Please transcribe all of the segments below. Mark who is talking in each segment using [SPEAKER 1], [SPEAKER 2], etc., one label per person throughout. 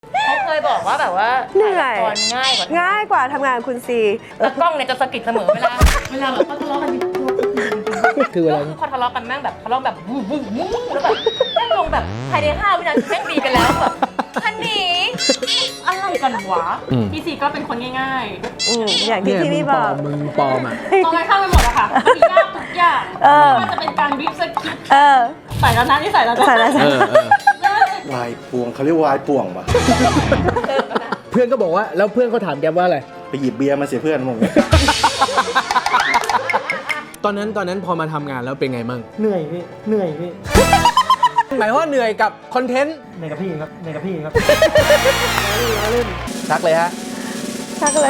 [SPEAKER 1] เขาเคยบอกว่าแบบว่า
[SPEAKER 2] เหนื่อย
[SPEAKER 1] ตอนง่ายกว่า
[SPEAKER 2] ทำงานคุณซี
[SPEAKER 1] แต่กล้องเนี่ยจะสะกิดเสมอเวลาแบบเขาทะเลาะกัน
[SPEAKER 3] คือเวลา
[SPEAKER 1] พอทะเลาะกันแม่งแบบทะเลาะแบบวู้วู้วู้แล้วแบบแม่งลงแบบภายใน5 วินาทีแม่งดีกันแล้วแบบฮันนี่อะไรกันวะพี่ซีก็เป็นคนง่ายๆ
[SPEAKER 2] อย่างที่พี่บอก
[SPEAKER 3] มึงปลอมอ่ะ
[SPEAKER 1] ตรงกันข้ามไปหมดอะค่ะมียากทุกอย่างไม่ว่าจะเป็นการบีบสคริปต์ใส่แล้วนะนี่ใส่แล้วนะ
[SPEAKER 2] ใส่แล้ว
[SPEAKER 4] วายป่วงเขาเรียกวายป่วงป่ะ
[SPEAKER 3] เพื่อนก็บอกว่าแล้วเพื่อนเขาถามแกว่าอะไร
[SPEAKER 4] ไปหยิบเบียร์มาเสียเพื่อนมึง
[SPEAKER 3] ตอนนั้นพอมาทำงานแล้วเป็นไงมั่ง
[SPEAKER 5] เหนื่อยพี่เหนื่อยพี่
[SPEAKER 3] หมายว่าเหนื่อยกับคอนเทนต์
[SPEAKER 5] เหนื่อยกับพี่ครับเหนื่อยกับพี่ครับ
[SPEAKER 3] ชักเลยฮะ
[SPEAKER 2] ชักเลย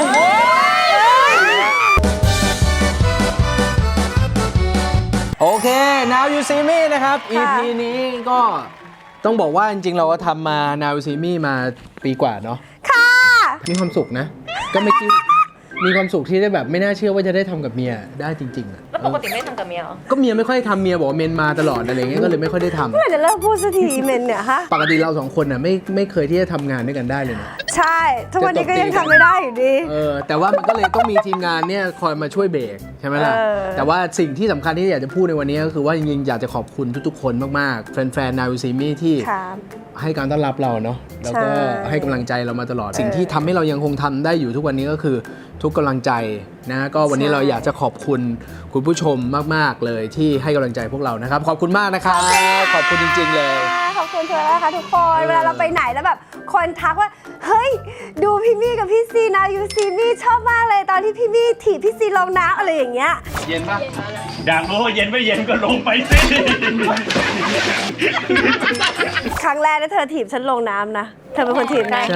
[SPEAKER 3] โอเค Now You See Me นะครับ EP นี้ก็ต้องบอกว่าจริงๆเราก็ทำมา Now You See Me มาปีกว่าเนาะ
[SPEAKER 2] ค่ะ
[SPEAKER 3] มีความสุขนะ ก็ไม่คิดมีความสุขที่ได้แบบไม่น่าเชื่อว่าจะได้ทำกับเมียได้จริงๆอะ
[SPEAKER 1] แล้วปกติไม่ได้ทำกับเมียเหรอ
[SPEAKER 3] ก็เมียไม่ค่อยทำเมียบอกว่าเมนมาตลอดอะไรเงี้ยก็เลยไม่ค่อยได้ทำ
[SPEAKER 2] เมื่อไหร่จะเลิกพูดสักทีเมนเนี่ยฮะ
[SPEAKER 3] ปกติเราสองคนน่ะไม่เคยที่จะทำงานด้วยกันได้เลยนะ
[SPEAKER 2] ใช่ทุกวันนี้ก็ยังทำไม่ได้อยู่ดี
[SPEAKER 3] แต่ว่ามันก็เลยต้องมีทีมงานเนี่ยคอยมาช่วยเบรกใช่ไหมล่ะ แต่ว่าสิ่งที่สำคัญที่อยากจะพูดในวันนี้ก็คือว่าจริงๆอยากจะขอบคุณทุกๆคนมากๆแฟนๆ Now You See Me ที่
[SPEAKER 2] ครับ
[SPEAKER 3] ให้การต้อนรับเราเนาะแล้วก็
[SPEAKER 2] ใช่
[SPEAKER 3] ให้กำลังใจเรามาตลอด สิ่งที่ทำให้เรายังคงทำได้อยู่ทุกวันนี้ก็คือทุกกำลังใจนะก็วันนี้เราอยากจะขอบคุณคุณผู้ชมมากๆเลยที่ให้กำลังใจพวกเรานะครับขอบคุณมากนะครับขอบคุณจริงๆเลย
[SPEAKER 2] ขอบคุณเธอนะคะทุกคนเวลาเราไปไหนแล้วแบบคนทักว่าเฮ้ยดูพี่มี่กับพี่ซี Now You See Me ชอบมากเลยตอนที่พี่มี่ถีบพี่ซีลงน้ำอะไรอย่างเงี้ย
[SPEAKER 6] เย็นปะอยากรู้ว่าเย็นไม่เย็นก็ลงไปสิ
[SPEAKER 2] ครั้งแรกที่เธอถีบฉันลงน้ำนะเธอเป็นคนถีบนะ
[SPEAKER 1] ใช่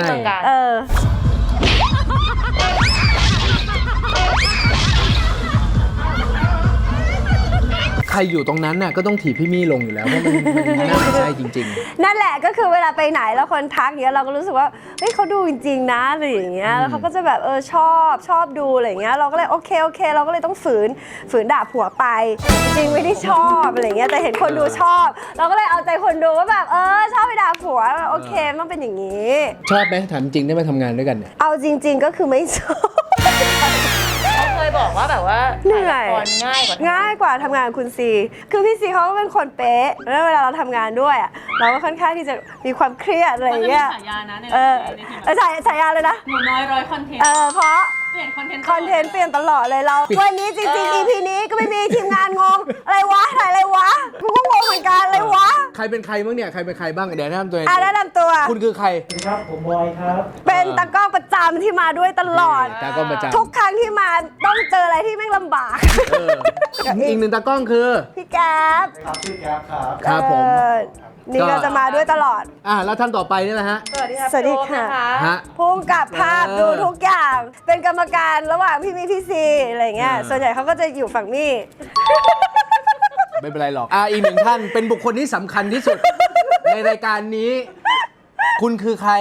[SPEAKER 3] ใครอยู่ตรงนั้นน่ะก็ต้องถีบพี่มี่ลงอยู่แล้วเพราะมันน่าไม่ใช่จริงๆ
[SPEAKER 2] นั่นแหละก็คือเวลาไปไหนแล้วคนทักอย่างเงี้ยเราก็รู้สึกว่าเฮ้ยเขาดูจริงๆนะอะไรอย่างเงี้ยแล้วเขาก็จะแบบชอบดูอะไรอย่างเงี้ยเราก็เลยโอเคเราก็เลยต้องฝืนด่าผัวไปจริงไม่ได้ชอบอะไรอย่างเงี้ยแต่เห็นคนดูชอบ เราก็เลยเอาใจคนดูว่าแบบชอบไปด่าผัวโอเคมันเป็นอย่างงี้
[SPEAKER 3] ชอบไหมถามจริงได้มาทำงานด้วยกันเนี่ย
[SPEAKER 2] เอาจริง ๆก็คือไม่ชอบ
[SPEAKER 1] เขาเคยบอกว่าแบบว่า
[SPEAKER 2] เหนื่อย
[SPEAKER 1] ตอนง่ายกว่า
[SPEAKER 2] ทำงานคุณซีคือพี่ซีเขาก็เป็นคนเป๊ะแล้วเวลาเราทำงานด้วยอะเราก็ค่อนข้างที่จะมีความเครียดอะไรอย่างเงี้ย
[SPEAKER 1] ฉายานะใน
[SPEAKER 2] ฉายาเลยนะ
[SPEAKER 1] หนูน้อยร้อยคอนเทนต์
[SPEAKER 2] เพราะ
[SPEAKER 1] เปลี่ยนคอนเทนต์
[SPEAKER 2] คอนเทนต์เปลี่ยนตลอดเลยเราวันนี้จริงๆ EP นี้ก็ไม่มีทีมงานงงอะไรวะถ่ายอะไรวะกูก็งงเหมือนกันอะไรวะ
[SPEAKER 3] ใครเป็นใครบ้างเนี่ยใครเป็นใครบ้างเดี๋ยวแนะนำตัวเอง
[SPEAKER 2] แนะนำตัว
[SPEAKER 3] คุณคือใคร
[SPEAKER 5] สวัสดีครับผมบอยครับ
[SPEAKER 2] เป็นตากล้องประจำที่มาด้วยตลอด
[SPEAKER 3] ตากล้องประจำ
[SPEAKER 2] ทุกครั้งที่มาต้องเจออะไรที่แม่งลำบาก
[SPEAKER 3] อีกหนึ่งตากล้องคือ
[SPEAKER 2] พี่แก๊ป
[SPEAKER 5] ครับชื่อแก๊ปครับ
[SPEAKER 3] ครับผม
[SPEAKER 2] นี่เราจะมาด้วยตลอด
[SPEAKER 3] แล้วท่านต่อไปนี่แหละฮะ
[SPEAKER 1] สวัสดีค่ะ
[SPEAKER 2] สวัสดีค่ะ
[SPEAKER 1] พี่โอ๊ตน
[SPEAKER 3] ฮะ
[SPEAKER 2] พุ่งกับภาพดูทุกอย่าง เป็นกรรมการระหว่างพี่มี่พี่ซีอะไรเงี้ย ส่วนใหญ่เขาก็จะอยู่ฝั่งมี่
[SPEAKER 3] ไม่เป็นไรหรอกอีกหนึ่งท่านเป็นบุคคลที่สำคัญที่สุด ในรายการนี้ คุณคือใคร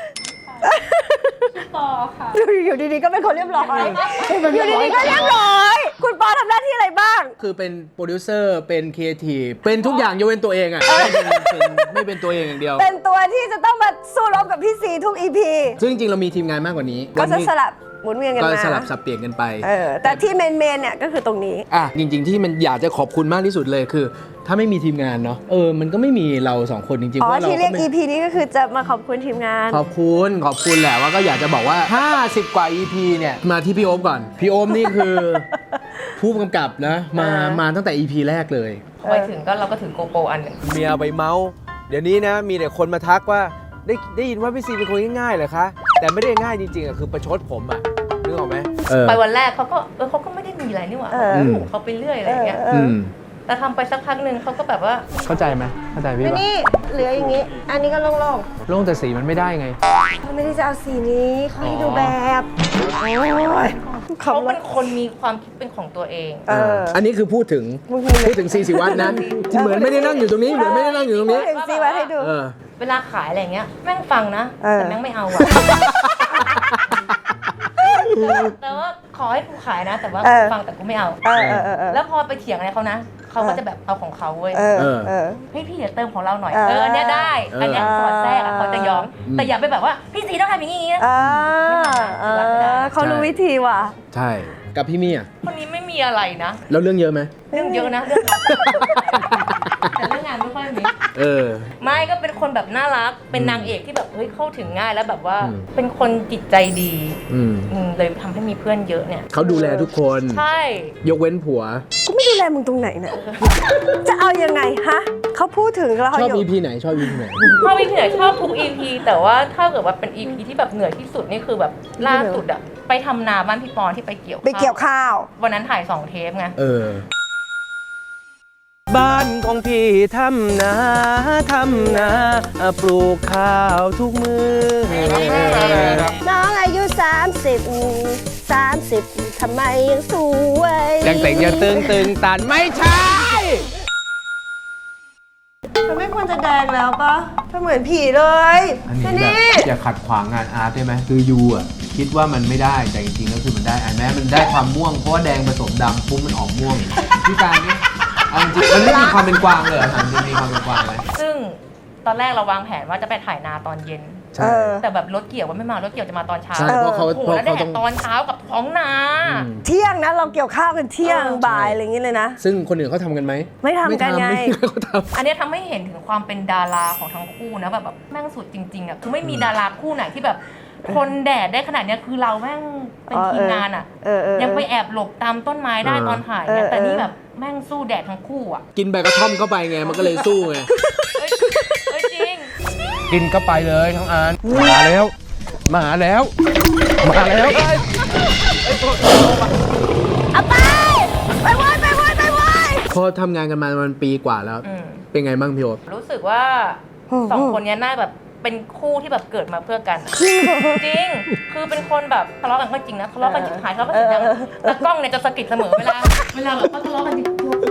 [SPEAKER 1] ปอค่ะ
[SPEAKER 2] อยู่ดีๆก็เป็นคนเรียบร้อยอยู่ดีๆก็เรียบร้อย คุณปอทำหน้าที่อะไรบ้าง
[SPEAKER 3] คือเป็นโปรดิวเซอร์เป็นครีเอทีฟเป็นทุกอย่างยกเว้นตัวเองอ่ะไม่เป็นตัวเองอย่างเดียว
[SPEAKER 2] เป็นตัวที่จะต้องมาสู้รบกับพี่ซีทุก EP
[SPEAKER 3] ซึ่งจริงๆเรามีทีมงานมากกว่านี้
[SPEAKER 2] ก็จะ
[SPEAKER 3] วันนี้
[SPEAKER 2] สลับหมุนเวียนกัน
[SPEAKER 3] ก็
[SPEAKER 2] มา
[SPEAKER 3] สลับสับเปลี่ยนกันไป
[SPEAKER 2] แต่ที่เมนเนี่ยก็คือตรงนี้
[SPEAKER 3] จริงๆที่มันอยากจะขอบคุณมากที่สุดเลยคือ ถ้าไม่มีทีมงานเนาะมันก็ไม่มีเราสองคนจริงๆ
[SPEAKER 2] อ๋อ
[SPEAKER 3] ว่าเรา
[SPEAKER 2] ที่เรียก
[SPEAKER 3] ไม่
[SPEAKER 2] EP นี้ก็คือจะมาขอบคุณทีมงาน
[SPEAKER 3] ขอบคุณแหละว่าก็อยากจะบอกว่า 50 กว่า EP เนี่ยมาที่พี่โอมก่อน พี่โอมนี่คือ ผู้กำกับนะมาตั้งแต่ EP แรกเลย
[SPEAKER 1] ไปถึงก็เราก็ถือโกโปรอันหนึ่ง
[SPEAKER 3] เมียไปเมาส์เดี๋ยวนี้นะมีแต่คนมาทักว่าได้ยินว่าพี่ซีเป็นคนง่ายๆเหรอคะแต่ไม่ได้ง่ายจริงๆคือประชดผมอะนึกออกไหม
[SPEAKER 1] ไปวันแรกเขาก็ไม่ได้มีอะไรนี่หว่าเขาไปเรื่อยอะไรอย่างเงี้ยแต่ทำไปสักพักหนึ่งเขาก็แบบว่า
[SPEAKER 3] เข้าใจไหมเข้าใจพี่ปะ
[SPEAKER 2] นี่เหลืออย่างนี้ อันนี้ก็โล่ง
[SPEAKER 3] โล่งแต่สีมันไม่ได้ไง
[SPEAKER 2] ๆเขาไม่ได้จะเอาสีนี้เขาให้ดูแบบโอ้ย
[SPEAKER 1] เขาเป็นคนมีความคิดเป็นของตัวเอง
[SPEAKER 3] อันนี้คือพูดถึงซีศิวัฒน์นะที่เหมือนไม่ได้นั่งอยู่ตรงนี้เหมือนไม่ได้นั่งอยู่ตรงนี้
[SPEAKER 2] ถึงซีวัดให้ดู
[SPEAKER 1] เวลาขายอะไรเงี้ยแม่งฟังนะแต่แม่งไม่เอาอะแต่ว่าขอให้กูขายนะ แต่ว่า
[SPEAKER 2] เออ
[SPEAKER 1] ฟังแต่กูไม่เอา
[SPEAKER 2] เออ
[SPEAKER 1] แล้วพอไปเถียงอะไรเขานะเขาก็จะแบบเอาของเขาเว้ย
[SPEAKER 2] เออ
[SPEAKER 1] เฮ้ยพี่เดี๋ยวเติมของเราหน่อย
[SPEAKER 2] เออ
[SPEAKER 1] อันเนี้ยได้ อันเนี้ยสอดแทรกอะเขาจะยอม แต่อย่าไปแบบว่าพี่ซีต้องทำอย่างนี้นะ
[SPEAKER 2] เขารู้วิธีว่ะ
[SPEAKER 3] ใช่กับพี่มี่อ่ะ
[SPEAKER 1] คนนี้ไม่มีอะไรนะ
[SPEAKER 3] แล้วเรื่องเยอะไหม
[SPEAKER 1] เรื่องเยอะนะเรื่องแต่เรื่องงานไม่ค่อยมี
[SPEAKER 3] เออ
[SPEAKER 1] ไม่ก็เป็นคนแบบน่ารัก เป็นนางเอกที่แบบเฮ้ยเข้าถึงง่ายแล้วแบบว่า
[SPEAKER 3] อืม
[SPEAKER 1] เป็นคนจิตใจดี
[SPEAKER 3] อืม
[SPEAKER 1] เลยทำให้มีเพื่อนเยอะเนี่ย
[SPEAKER 3] เขาดูแลทุกคน
[SPEAKER 1] ใช่
[SPEAKER 3] ยกเว้นผัว
[SPEAKER 2] กูไม่ดูแลมึงตรงไหนเนี่ยจะเอายังไงฮะเขาพูดถึงแล้ว
[SPEAKER 3] ช
[SPEAKER 2] เขา
[SPEAKER 3] อบ
[SPEAKER 2] อยู่
[SPEAKER 3] EP ไหนชอบ EP ไหน
[SPEAKER 1] ชอบ EP ไหนชอบทุก EP แต่ว่าถ้าเกิดว่าเป็น EP ที่แบบเหนื่อยที่สุดนี่คือแบบล่าสุดอะไปทำนาบ้านพี่ปอนที่ไปเกี่ยว
[SPEAKER 2] ไปเกี่ยวข้าว
[SPEAKER 1] วันนั้นถ่าย2 เทปไง
[SPEAKER 3] เออ
[SPEAKER 7] บ้านของพี่ทำนาปลูกข้าวทุกมือ
[SPEAKER 2] น้องอายุ 30 ทำไมยังสวย
[SPEAKER 3] ยังแต่งยังตึงตันไม่ใช่
[SPEAKER 2] เธอไม่ควรจะแดงแล้วปะเธอเหมือนผีเลย
[SPEAKER 3] อันนี้แบบอย่าขัดขวางงานอาร์ตได้ไหมคือยูอ่ะคิดว่ามันไม่ได้แต่จริงๆก็คือมันได้แม้มันได้ความม่วงเพราะว่าแดงผสมดำปุ๊บมันออกม่วงพี่การเนี่ยเอาจริงๆมันไม่มีความเป็นกวางเลยเหรอถามจริงมีความเป็นกวางไหม
[SPEAKER 1] ซึ่งตอนแรกเราวางแผนว่าจะไปถ่ายนาตอนเย็น
[SPEAKER 3] ใช่
[SPEAKER 1] แต่แบบรถเกี่ยวว่าไม่มารถเกี่ยวจะมาตอนเช้า
[SPEAKER 3] ใช่เพราะเขา
[SPEAKER 1] โอ้โห
[SPEAKER 3] เพราะ
[SPEAKER 1] แล้วแด
[SPEAKER 3] เขา
[SPEAKER 1] ด
[SPEAKER 3] ต้อง
[SPEAKER 1] ตอนเช้ากับท้องนา
[SPEAKER 3] อืม
[SPEAKER 2] เที่ยงนะเราเกี่ยวข้าวกันเที่ยงบ่ายอะไรอย่างเงี้ยเลยนะ
[SPEAKER 3] ซึ่งคนอื่นเขาทำกันไหม
[SPEAKER 2] ไม่ทำกันไง
[SPEAKER 3] ไม่มีใครเขาท
[SPEAKER 1] อันเนี้ยทำให้เห็นถึงความเป็นดาราของทั้งคู่นะแบบแม่งสุดจริงๆอ่ะคือไม่มีดาราคู่ไหนที่แบบทนแดดได้ขนาดเนี้ยคือเราแม่งเป็นทีมงานอ่ะ ยังไปแอบหลบตามต้นไม้ได้ตอนถ่ายเนี่ยแต่นี่แบบแม่งสู้แดดทั้งคู่อ่ะ
[SPEAKER 3] ำกินใบกระท่อมเข้าไปไงมันก็เลยสู้ไง
[SPEAKER 1] เอ้ยจริง
[SPEAKER 7] กินเข้าไปเลยทั้งอันมาแล้ว มาแล้ว มาแล้ว
[SPEAKER 2] เอาไปไปเว้ยไปเว้ยไปเว้ย
[SPEAKER 3] พอทำงานกันมามันปีกว่าแล้ว
[SPEAKER 1] อืม
[SPEAKER 3] เป็นไงบ้างพี่โอ๊ต
[SPEAKER 1] รู้สึกว่าสองคนเนี้ยน่าแบบเป็นคู่ที่แบบเกิดมาเพื่อกันอะจริง คือเป็นคนแบบทะเลาะกันก็จริงนะทะเลาะกันชิบหายทะเลาะกันเสียงดังแต่กล้องเนี่ยจะสะกิดเสมอเวลาแบบเขาทะเลาะกันจริง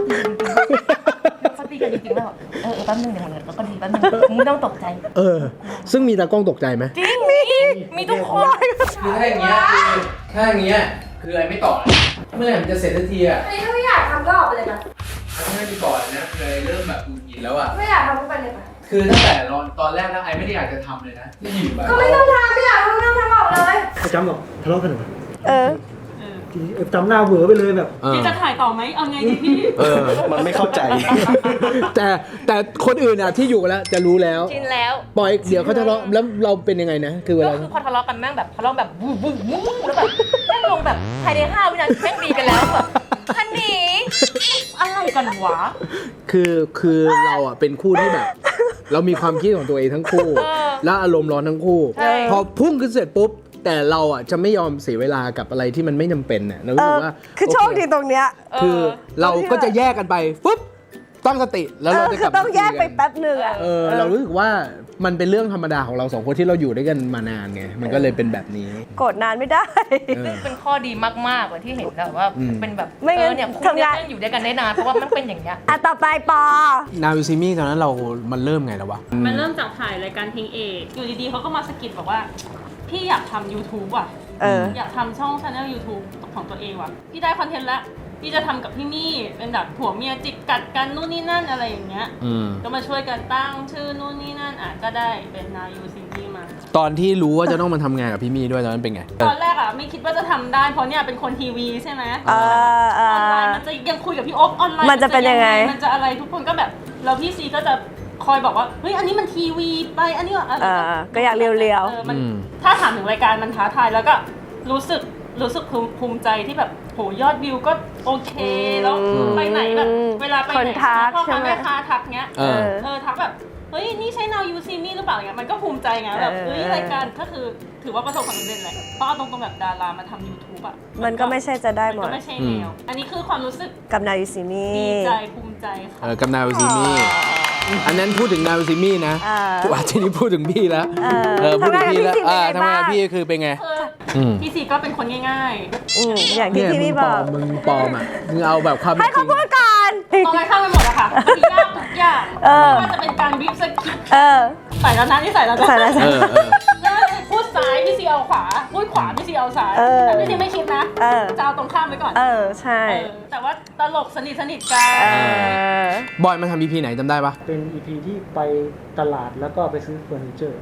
[SPEAKER 1] เขาตีกันจริงๆแล้วแป๊บนึงเดี๋ยวมันก็ดีแป๊บนึงมึงไม่ต้องตกใจ
[SPEAKER 3] เออ ซึ่งมีตากล้องตกใจไหม
[SPEAKER 1] จริงมีทุกคน
[SPEAKER 3] คือถ้าอย่างเงี้ยถ้าอย่างเงี้ยคืออะไรไม่ต่อเมื่อไหร่มันจะเสร็จสักทีอ่ะ
[SPEAKER 2] ถ้าไม่อยากทำก็ออกไปเลยนะ
[SPEAKER 3] ไม่ได้ก่อนนะเลยเริ่มแบบหงุดหงิดแล้วอ่ะ
[SPEAKER 2] ไม่อยากทำก็ไปเลยนะ
[SPEAKER 3] คือตั้งแต่ตอนแรกนะไอไม่ได้อยากจะทำเลยนะที่อยู่แบบ
[SPEAKER 2] ก็ไม่ต้องทำไม่อยากทำไม่ต้องทำออกเลย
[SPEAKER 5] ประจำหรอกทะเลาะกันเหรอจำหน้าเหวอไปเลยแบบ
[SPEAKER 3] เออ
[SPEAKER 1] จะถ่ายต่อไหมเอาไงดีพี่
[SPEAKER 4] มันไม่เข้าใจ
[SPEAKER 3] แต่คนอื่นอ่ะที่อยู่กันแล้วจะรู้แล้ว
[SPEAKER 1] ชินแล้ว
[SPEAKER 3] ปล่อยเดี๋ยวเขาทะเลาะแล้วเราเป็นยังไงนะ คือเว
[SPEAKER 1] ก็
[SPEAKER 3] ลา
[SPEAKER 1] คือพอทะเลาะกันแม่งแบบทะเลาะแบบวู้วู้วู้แล้วแบบแม่งลงแบบภายใน5 วินาทีแม่งดีกันแล้วแบบฮันนี่อะไรกันวะ
[SPEAKER 3] คือเราอ่ะเป็นคู่ที่แบบ เรามีความคิดของตัวเองทั้งคู่ แล้วอารมณ์ร้อนทั้งคู่
[SPEAKER 1] ใช่
[SPEAKER 3] พอพุ่งขึ้นเสร็จปุ๊บ แต่เราอ่ะจะไม่ยอมเสียเวลากับอะไรที่มันไม่จำเป็นน่ะเรารู้สึกว่า
[SPEAKER 2] คือโชคดีตรงเนี้ย
[SPEAKER 3] คือเราก็จะแยกกันไปปุ๊บตั้งสติแล้วเราจะก
[SPEAKER 2] คื
[SPEAKER 3] ลับ
[SPEAKER 2] อต้องแยกไปแป๊บหนึ่งอะ
[SPEAKER 3] เรารู้สึกว่ามันเป็นเรื่องธรรมดาของเราสองคนที่เราอยู่ด้วยกันมานานไงมันก็เลยเป็นแบบนี้
[SPEAKER 2] กดนานไม่ได้
[SPEAKER 1] ซึ่งเป็นข้อดีมากๆเลยที่เห็นแบบว่า
[SPEAKER 3] อืม
[SPEAKER 1] เป็นแบบ
[SPEAKER 2] ไม่งั้น
[SPEAKER 1] เนี่ยคุณ
[SPEAKER 2] ทำ
[SPEAKER 1] เนี่ย
[SPEAKER 2] งาน
[SPEAKER 1] อยู่ด้วยกันได้นานเพราะว่ามันเป็นอย่างเงี้ย
[SPEAKER 2] อ่ะต่อไปปอ
[SPEAKER 3] นาวิซิมี่ตอนนั้นมันเริ่มไงแล้ววะ
[SPEAKER 8] มันเริ่มจากถ่ายรายการเพลงเอกอยู่ดีๆเขาก็มาสะกิดบอกว่า พี่อยากทำ YouTube ว่ะ อยากทำช่องชาแนล YouTube ของตัวเองว่ะ พี่ได้คอนเทนต์แล้วพี่จะทำกับพี่มี่เป็นแบบผัวเมียจิกกัดกันนู่นนี่นั่นอะไรอย่างเงี้ย ก็มาช่วยกันตั้งชื่อนู่นนี่นั่นก็ได้เป็น Now You See Me มา
[SPEAKER 3] ตอนที่รู้ว่าจะต้องมาทำงานกับพี่มี่ด้วยตอนนั้นเป็นไง
[SPEAKER 8] ตอนแรกไม่คิดว่าจะทำได้เพราะเนี่ยเป็นคนทีวีใช่ไหมอ
[SPEAKER 2] อ
[SPEAKER 8] อนไลน์มันจะยังคุยกับพี่โอ๊บออนไลน์
[SPEAKER 2] มันจะเป็นยังไง
[SPEAKER 8] มันจะอะไรทุกคนก็แบบแล้วพี่ซีก็จะคอยบอกว่าเฮ้ยอันนี้มันทีวีไปอันนี้อะไร
[SPEAKER 2] ก็อยากเรียว
[SPEAKER 8] มันถ้าถามถึงรายการมันท้าทายแล้วก็รู้สึกภูมิใจที่แบบโหยอดวิวก็โอเคแล้วไปไหนแบบเวลาไปไหนพ่อค้าแม่ค้าทักเงี้ยทักแบบเฮ้ยนี่ใช่ Now You See Me หรือเปล่าเงี้ยมันก็ภูมิใจไงแบบเฮ้ยรายการก็คือถือว่าประสบความสำเร็จแหละเพราะเอาตรงๆแบบดารามาทำ YouTube อ่ะ
[SPEAKER 2] มันก็ไม่ใช่จะได้หม
[SPEAKER 8] ก็
[SPEAKER 2] ด
[SPEAKER 8] ไม่ใช่แนวอันนี้คือความรู้สึก
[SPEAKER 2] กับนายูซิมี
[SPEAKER 8] ดีใจภูมิใจค่ะ
[SPEAKER 3] กับนาวิซิมี่อันนั้นพูดถึงนาวิซิมี่นะว่าทีนี้พูดถึงพี่แล้วพูดถึงพี่แล้วทำงานกับพี่คือเป็นไง
[SPEAKER 8] พี่ซีก็เป็นคนง่าย
[SPEAKER 2] อย่างที่พี่มี่บอก
[SPEAKER 3] มึงปลอมอ่ะมึงเอาแบบความ
[SPEAKER 2] ให้เขาพูดก่อน
[SPEAKER 8] ๆตรงกันข้ามไปหมดอะค่ะมันยากทุกอย่างไม่ว่าจะเป็นการบีบสคริปต์ใส่แล้วนะนี่ใส่แล้วนะ
[SPEAKER 2] ใส่แล้ว
[SPEAKER 3] เออ
[SPEAKER 8] พูดซ้ายพี่ซีเอาขวาพูดขวาพี่ซีเอายวสารแต่พี่ทีไม่คิดนะจะเอาตรงข้ามไปก่อน
[SPEAKER 2] ใช่
[SPEAKER 8] แต่ว่าตลกสนิทกัน
[SPEAKER 3] บอยมาทำ EP ไหนจำได้ปะ
[SPEAKER 5] เป็น EP ที่ไปตลาดแล้วก็ไปซื้อเฟอร์นิเจอร์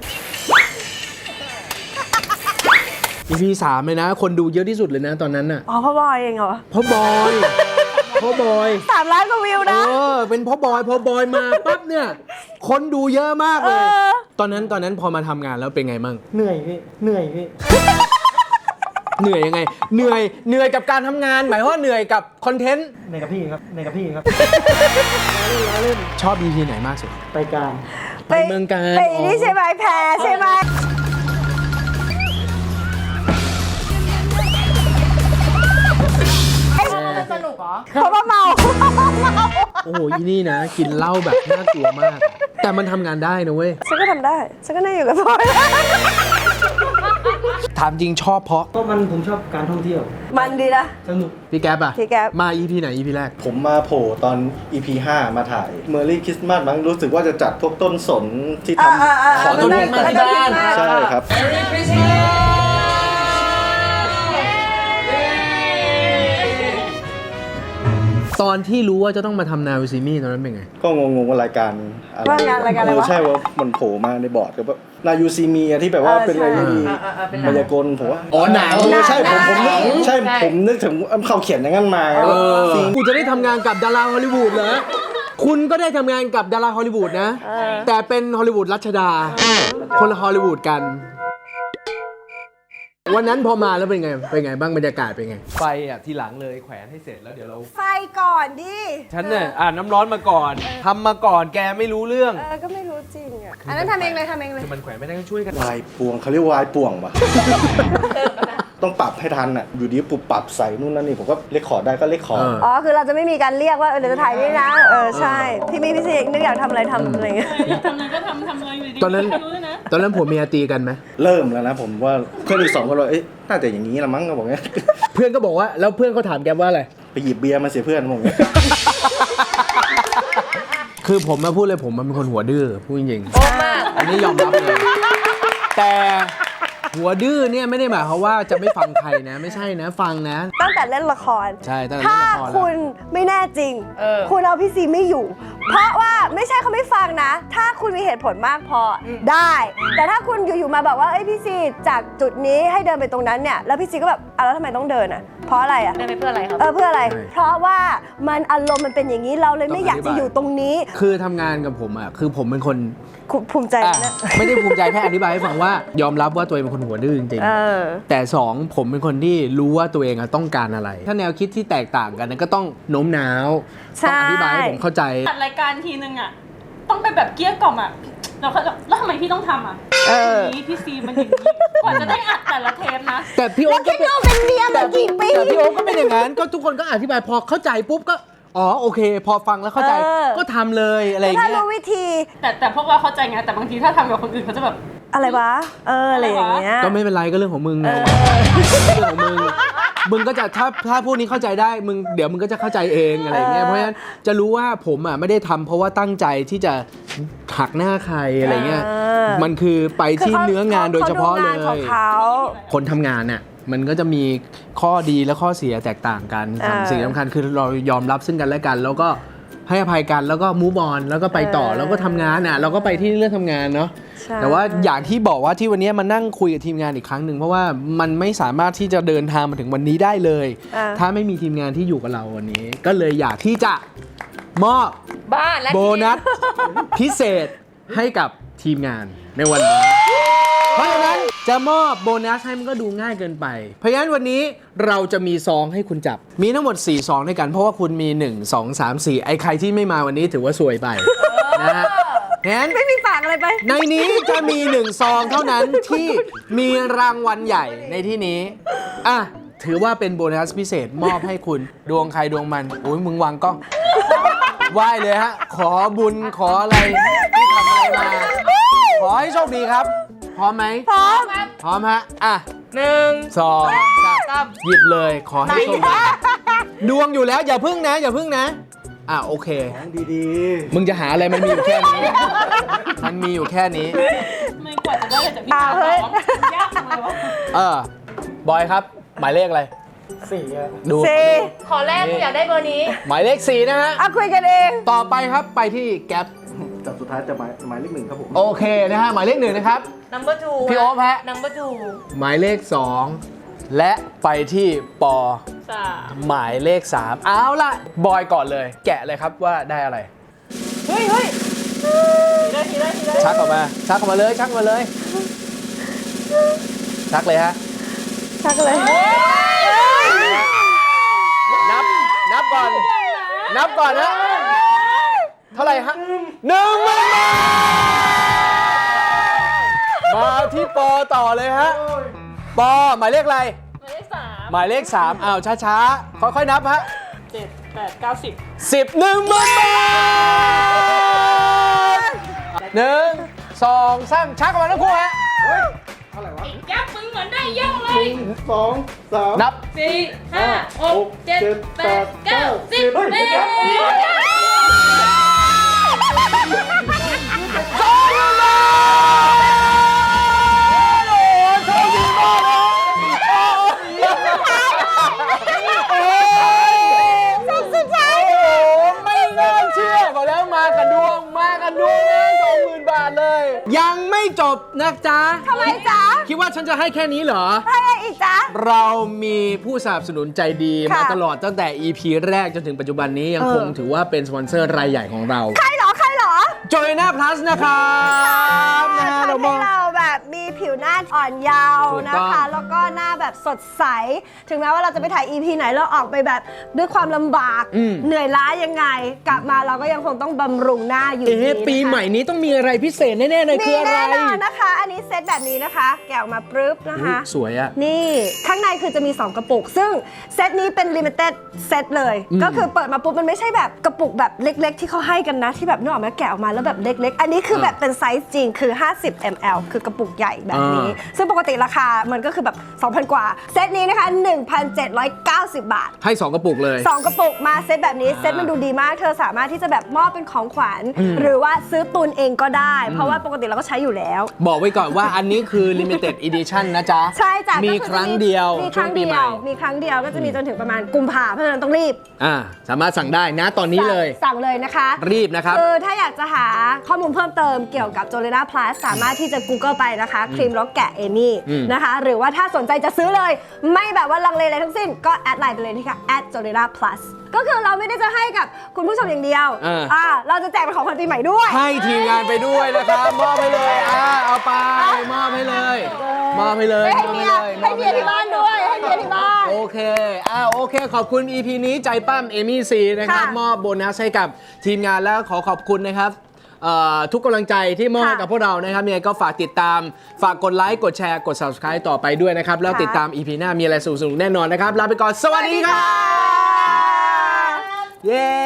[SPEAKER 3] EP 3เลยนะ คนดูเยอะที่สุดเลยนะตอนนั้นน่ะ
[SPEAKER 2] อ๋อพ่อบอยเองเหรอ
[SPEAKER 3] เพราะบอย
[SPEAKER 2] 3 ล้านกว่าวิวนะ
[SPEAKER 3] เป็นเพราะบอยมาปั๊บเนี่ย คนดูเยอะมากเลย ตอนนั้นพอมาทำงานแล้วเป็นไงมั่ง
[SPEAKER 5] เหนื่อยพี่
[SPEAKER 3] เหนื่อยยังไง เหนื่อยกับการทำงาน หมายว่าเหนื่อยกับคอนเทนต์
[SPEAKER 5] ในกับพี่ครับ
[SPEAKER 3] ชอบ EP ไหนมากสุด
[SPEAKER 5] ไปการ
[SPEAKER 3] ไปเมืองการ
[SPEAKER 2] ไปนี่ใช่ไหมแพรใช่ไหม
[SPEAKER 1] สนุกเหรอ
[SPEAKER 2] เพราะว่าเมา
[SPEAKER 3] โอ้โหอีนี่นะ กินเหล้าแบบน่ากลัวมาก แต่มันทำงานได้นะเว้ย
[SPEAKER 2] ฉันก็ทำได้ ฉันก็นั่งอยู่กับพลอย
[SPEAKER 3] ถามจริงชอบเพราะ
[SPEAKER 5] ก็ผมชอบการท่องเที่ยว
[SPEAKER 2] มันดีนะ
[SPEAKER 5] สนุก
[SPEAKER 3] พี่แก๊ปอะ
[SPEAKER 2] พี่แก๊ป
[SPEAKER 3] มา EP ไหน EP แรก
[SPEAKER 4] ผมมาโผล่ตอน EP 5 มาถ่ายเมอร์รี่คริสต์มาสมั้งรู้สึกว่าจะจัดพวกต้นสนที่ทำ
[SPEAKER 3] ขอต้นมาที่บ้าน
[SPEAKER 4] ใช่ครับ
[SPEAKER 3] ตอนที่รู้ว่าจะต้องมาทำนาวิซิมี่ตอนนั้นเป็นไง
[SPEAKER 4] ก็งงว่ารายการอะไร
[SPEAKER 2] ว่างานรายการอะไรวะ
[SPEAKER 4] ใช่ว่ามันโผล่มาในบอร์ดกับว่านายูซีมีที่แบบว่าเป็นอะไรที่มายากลผมว่า
[SPEAKER 3] อ๋อหนัง
[SPEAKER 4] ใช่ผมนึกถึงเขาเขียนอย่างนั้นมาซี
[SPEAKER 3] กูจะได้ทำงานกับดาราฮอลลีวูดเหรอ คุณก็ได้ทำงานกับดาราฮอลลีวูดนะ แต่เป็นฮอลลีวูดรัชดา คนละฮอลลีวูดกัน วันนั้นพอมาแล้วเป็นไงบ้างบรรยากาศเป็นไง
[SPEAKER 7] ไฟอ่ะทีหลังเลยแขวนให้เสร็จแล้วเดี๋ยวเรา
[SPEAKER 2] ไฟก่อนดิ
[SPEAKER 7] ฉันเนี่ยน้ำร้อนมาก่อนทำมาก่อนแกไม่รู้เรื่อง
[SPEAKER 2] ก็ไม่รู้จริงอ่ะ อันนั้นทำเองเลย
[SPEAKER 7] คือมันแขวนไม่ได้ก็ช่วยกัน
[SPEAKER 4] วายปวงเขาเรียกวายป่วงปะ ต้องปรับให้ทันอ่ะอยู่ดีปุ๊บปรับใส่นู่นนั่นนี่ผมก็เลคคอร์ดได้ก็เลคคอร์ด
[SPEAKER 2] อ๋อ คือเราจะไม่มีการเรียกว่าเดี๋ยวจะถ่ายนี่นะ ใช่ พี่มีพี่ซีนึกอยากทำอะไรทำอะไรเงี้ย
[SPEAKER 8] อยากทำอะไรก็ทำเลยอยู่ดี
[SPEAKER 3] ตอนนั้น
[SPEAKER 8] ไม่รู้เลยนะ
[SPEAKER 3] ตอนนั้นผมเมียตีกันไหม
[SPEAKER 4] เริ่มแล้วนะผมว่าเพื่อนอีก2คนว่าเอ๊ะน่าจะอย่างนี้ละมั้งก็บอกเงี้ย
[SPEAKER 3] เพื่อนก็บอกว่าแล้วเพื่อนเขาถามแกว่าอะไร
[SPEAKER 4] ไปหยิบเบียร์มาเสียเพื่อนผมเงี้ย
[SPEAKER 3] คือผมมาพูดเลยผมมันเป็นคนหัวดื้อพูดจริง
[SPEAKER 1] โอ้มาก
[SPEAKER 3] ๆอันนี้ยอมรับเลย แต่หัวดื้อเนี่ยไม่ได้หมายความว่าจะไม่ฟังใครนะ ไม่ใช่นะฟังนะ
[SPEAKER 2] ตั้งแต่เล่นละคร
[SPEAKER 3] ใช่ตั้งแต่
[SPEAKER 2] ถ้า
[SPEAKER 3] เล่นละครแล้ว
[SPEAKER 2] คุณไม่แน่จริง คุณเอาพี่ซีไม่อยู่ เพราะว่าไม่ใช่เขาไม่ฟังนะ ถ้าคุณมีเหตุผลมากพอได้ แต่ถ้าคุณอยู่ๆมาบอกว่าเอ้ยพี่ซีจากจุดนี้ให้เดินไปตรงนั้นเนี่ย แล้วพี่ซีก็แบบแล้วทำไมต้องเดินอ่ะ เพราะอะไรอ่ะ
[SPEAKER 1] ได้ไปเพื่ออะไรครับ
[SPEAKER 2] เพื่ออะไร เพราะว่ามันอารมณ์มันเป็นอย่างนี้เราเลยไม่อยากจะอยู่ตรงนี้
[SPEAKER 3] คือทำงานกับผมอ่ะคือผมเป็นคน
[SPEAKER 2] ภูมิใจ
[SPEAKER 3] อ่ะ
[SPEAKER 2] นะ
[SPEAKER 3] ไม่ได้ภูมิใจแค่อธิบายให้ฟังว่ายอมรับว่าตัวเองเป็นคนหัวดื้อจริงๆแต่สองผมเป็นคนที่รู้ว่าตัวเองอะต้องการอะไร ถ้าแนวคิดที่แตกต่างกันก็ต้องโน้มน้าวต้องอธิบายให้ผมเข้าใจ
[SPEAKER 8] จัดรายการทีนึงอ่ะต้องเป็นแบบเกลี้ยกล่อมอ่ะแล้วทำไมพี่ต้องทำอ่ะนี่พี่ซีมันอย่างนี้กว่าจะได้อัดแต่ละเทปนะ
[SPEAKER 3] แต่พี่โอ๊คก็
[SPEAKER 2] คิดดูเป็นเมียมากี่ปี
[SPEAKER 3] แต่พี่โอ๊คก็เป็นอย่างนั้นก็ทุกคนก็อธิบายพอเข้าใจปุ๊บก็อ๋อโอเค พอฟังแล้วเข้าใจก็ทำเลยอะไรอย่าง
[SPEAKER 2] ถ้า
[SPEAKER 3] เงี้ย
[SPEAKER 2] รู้วิธี
[SPEAKER 8] แต่พวกเราเข้าใจไงแต่บางทีถ้าทำกับคนอื่นเขาจะแบบ
[SPEAKER 2] อะไรวะ อะไรอย่างเงี้ย
[SPEAKER 3] ก็ไม่เป็นไรก็เรื่องของมึงไงเรื่องของมึงก็จะถ้าพวกนี้เข้าใจได้มึงเดี๋ยวมึงก็จะเข้าใจเองอะไรอย่างเงี้ยเพราะฉะนั้นจะรู้ว่าผมอ่ะไม่ได้ทำเพราะว่าตั้งใจที่จะหักหน้าใครอะไรเงี้ยมันคือไปที่เนื้องานโดยเฉพาะเลย
[SPEAKER 2] ของเขา
[SPEAKER 3] คนทำงานน่ะมันก็จะมีข้อดีและข้อเสียแตกต่างกันสิ่งสำคัญคือเรายอมรับซึ่งกันและกัน แล้วก็ให้อภัยกันแล้วก็มูฟออนแล้วก็ไปต่อแล้วก็ทำงานอ่ะเราก็ไปที่เรื่องทำงานเนาะแต่ว่าอย่างที่บอกว่าที่วันนี้มานั่งคุยกับทีมงานอีกครั้งหนึ่งเพราะว่ามันไม่สามารถที่จะเดินทางมาถึงวันนี้ได้เลย ถ้าไม่มีทีมงานที่อยู่กับเราวันนี้ ก็เลยอยากที่จะมอบ
[SPEAKER 1] บ้านและ
[SPEAKER 3] โบนัสพิเศษให้กับทีมงานในวันนี้ เพราะฉะนั้นจะมอบโบนัสให้มันก็ดูง่ายเกินไป เพราะฉะนั้นวันนี้เราจะมีซองให้คุณจับ มีทั้งหมด4ซองด้วยกันเพราะว่าคุณมี1 2 3 4ไอ้ใครที่ไม่มาวันนี้ถือว่าซวยไปนะฮะงั้น
[SPEAKER 2] ไม่มีฝากอะไรไป
[SPEAKER 3] ในนี้จะมี1ซองเท่านั้นที่มีรางวัลใหญ่ในที่นี้อ่ะถือว่าเป็นโบนัสพิเศษมอบให้คุณดวงใครดวงมันโอ้ยมึงวางกล้องไหว้เลยฮะขอบุญขออะไรที่ทำอะไรมาขอให้โชคดีครับพร้อมไหมพร้อมพร้อมฮะอ่ะ
[SPEAKER 1] 1
[SPEAKER 3] 2
[SPEAKER 1] 3
[SPEAKER 3] หยิบเลยขอให้โชคดีดวงอยู่แล้วอย่าพึ่งนะอย่าพึ่งนะอ่ะโอเค
[SPEAKER 4] ดี
[SPEAKER 3] มึงจะหาอะไรมันมีอยู่แค่นี้มันมีอยู่แค่นี้
[SPEAKER 8] ไม่กว่าจะได้อะไรจากพี่ตาร้องยากจังเลยวะ
[SPEAKER 3] บบอยครับ หมายเลขอะไร
[SPEAKER 4] 4ครับ
[SPEAKER 3] ดู
[SPEAKER 2] สี่
[SPEAKER 1] ขอแรกกูอยากได้เบอร์นี้
[SPEAKER 3] หมายเลข 4 นะฮะ
[SPEAKER 2] อ่ะคุยกันเอง
[SPEAKER 3] ต่อไปครับไปที่แก๊ป
[SPEAKER 4] จับสุดท้ายจะหมายเลข 1ครับผม
[SPEAKER 3] โอเคนะฮะ หมายเลข 1 นะครับ
[SPEAKER 1] number 2
[SPEAKER 3] พี่โอ๊คฮะ
[SPEAKER 1] number
[SPEAKER 3] หมายเลข 2 และไปที่ปอ
[SPEAKER 8] 3
[SPEAKER 3] หมายเลข 3 เอาล่ะ บอยก่อนเลย แกะเลยครับว่าได้อะไร
[SPEAKER 1] เฮ้ยเฮ้ย
[SPEAKER 8] ทีได้
[SPEAKER 3] ชักออกมาเลย ชักออกมาเลย ชักเลยฮะ
[SPEAKER 2] ชักเลย
[SPEAKER 3] นับก่อน นับก่อนนะ เท่าไหร่ฮะ1,000 บาทมาที่ปอต่อเลยฮะ ปอหมายเลขอะไร หมายเลข 3 อ้าวช้าๆ ค่อยๆ นับฮะ
[SPEAKER 8] 7 8 9 10
[SPEAKER 3] 10 10,000 บาท1 2 3ชักออกมาทั้งคู่ฮะ
[SPEAKER 8] แก๊ปมึงเหมือนได้เยอะเลย
[SPEAKER 4] 2 3
[SPEAKER 3] นับ
[SPEAKER 8] 4 5 6 7 8 9 10
[SPEAKER 4] เฮ้ย
[SPEAKER 3] ไม่น่าเชื่อบอกแล้วมากันดวงนะ20,000 บาทเลย ยังไม่จบนะจ๊ะ
[SPEAKER 2] ทำไมจ๊ะ
[SPEAKER 3] คิดว่าฉันจะให้แค่นี้เหรอ
[SPEAKER 2] ให้อะไรอีกจ๊ะ
[SPEAKER 3] เรามีผู้สนับสนุนใจดี
[SPEAKER 2] ค่ะ
[SPEAKER 3] มาตลอดตั้งแต่ EP แรกจนถึงปัจจุบันนี้ยังคงถือว่าเป็นสปอนเซอร์รายใหญ่ของเรา
[SPEAKER 2] ใครเหรอ
[SPEAKER 3] จอยน่า plus นะครับนะฮะ
[SPEAKER 2] ทำ
[SPEAKER 3] เรา
[SPEAKER 2] ให้
[SPEAKER 3] มอง
[SPEAKER 2] เราแบบมีผิวหน้าอ่อนเยาว์
[SPEAKER 3] ถูก
[SPEAKER 2] นะ
[SPEAKER 3] ต้อง
[SPEAKER 2] คะ แล้วก็หน้าแบบสดใส ถึงแม้ว่าเราจะไปถ่าย EP ไหนเราออกไปแบบด้วยความลำบาก เหนื่อยล้ายังไง กลับมาเราก็ยังคงต้องบำรุงหน้าอยู่ดีนะคะ
[SPEAKER 3] ปีใหม่นี้ต้องมีอะไรพิเศษแน่ๆเลย
[SPEAKER 2] มี
[SPEAKER 3] คืออะไร
[SPEAKER 2] แน่นอนนะคะ อันนี้เซตแบบนี้นะคะ แกะออกมาปรึ๊บนะคะ
[SPEAKER 3] สวยอะ
[SPEAKER 2] นี่ข้างในคือจะมี 2 กระปุก ซึ่งเซตนี้เป็น limited เซตเลย ก็คือเปิดมาปุ๊บมันไม่ใช่แบบกระปุกแบบเล็ก ๆ ที่เขาให้กันนะ ที่แบบนึกออกไหมแกะออกมาแล้วแบบเล็ก ๆ อันนี้คือแบบเป็นไซส์จริงคือ 50 ml คือกระปุกใหญ่แบบนี้ ซึ่งปกติราคามันก็คือแบบ 2,000 กว่า เซตนี้นะคะ 1,790 บาท
[SPEAKER 3] ให้ 2 กระปุกเลย
[SPEAKER 2] 2 กระปุกมาเซตแบบนี้เซตมันดูดีมากเธอสามารถที่จะแบบมอบเป็นของขวัญหรือว่าซื้อตุนเองก็ได้ เพราะว่าปกติเราก็ใช้อยู่แล้ว
[SPEAKER 3] บอกไว้ก่อนว่าอันนี้คือ limited edition นะจ๊ะ
[SPEAKER 2] ใช่จ้ะ
[SPEAKER 3] มี
[SPEAKER 2] ก็อ
[SPEAKER 3] ครั้งเดียว
[SPEAKER 2] มีค
[SPEAKER 3] ช่ว
[SPEAKER 2] รั้
[SPEAKER 3] ง
[SPEAKER 2] ง
[SPEAKER 3] ปี
[SPEAKER 2] เดี
[SPEAKER 3] ให
[SPEAKER 2] ย
[SPEAKER 3] ม่
[SPEAKER 2] วมีครั้งเดียวก็จะมีจนถึงประมาณกุมภาเพราะฉะนั้นต้องรีบ
[SPEAKER 3] สามารถสั่งได้นะตอนนี้เลย
[SPEAKER 2] สั่งเลยนะคะ
[SPEAKER 3] รีบนะครับ
[SPEAKER 2] คือถ้าอยากจะหาข้อมูลเพิ่มเติมเกี่ยวกับ Jolena Plus สามารถที่จะ Google ไปนะคะครีมล็อกแกะเอมี่นะคะ หรือว่าถ้าสนใจจะซื้อเลย ไม่แบบว่าลังเลอะไรทั้งสิ้นก็แอดไลน์ไปเลยที่ค่ะ @Jolena Plus ก็คือเราไม่ได้จะให้กับคุณผู้ชมอย่างเดียวเราจะแจกเป็นของขวัญปีใหม่ด้วย
[SPEAKER 3] ให้ทีมงานไปด้วยนะครับ มอบให้เลยเอาไปมอบให้เลยมอบให้เลย
[SPEAKER 2] ให้เมียที่บ้านด้วยให้เมียที่บ้าน
[SPEAKER 3] โอเคโอเค ขอบคุณ EP นี้ใจปั้มเอมี่ซีนะครับ
[SPEAKER 2] ค่ะ
[SPEAKER 3] มอบโบนัสให้กับทีมงานแล้วขอบคุณนะครับทุกกำลังใจที่มอบให้กับพวกเรานะครับยังไงก็ฝากติดตามฝากกดไลค์กดแชร์กด subscribe ต่อไปด้วยนะครับแล้วติดตาม EP หน้ามีอะไรสนุกๆแน่นอนนะครับลาไปก่อนสวัสดีครับเย้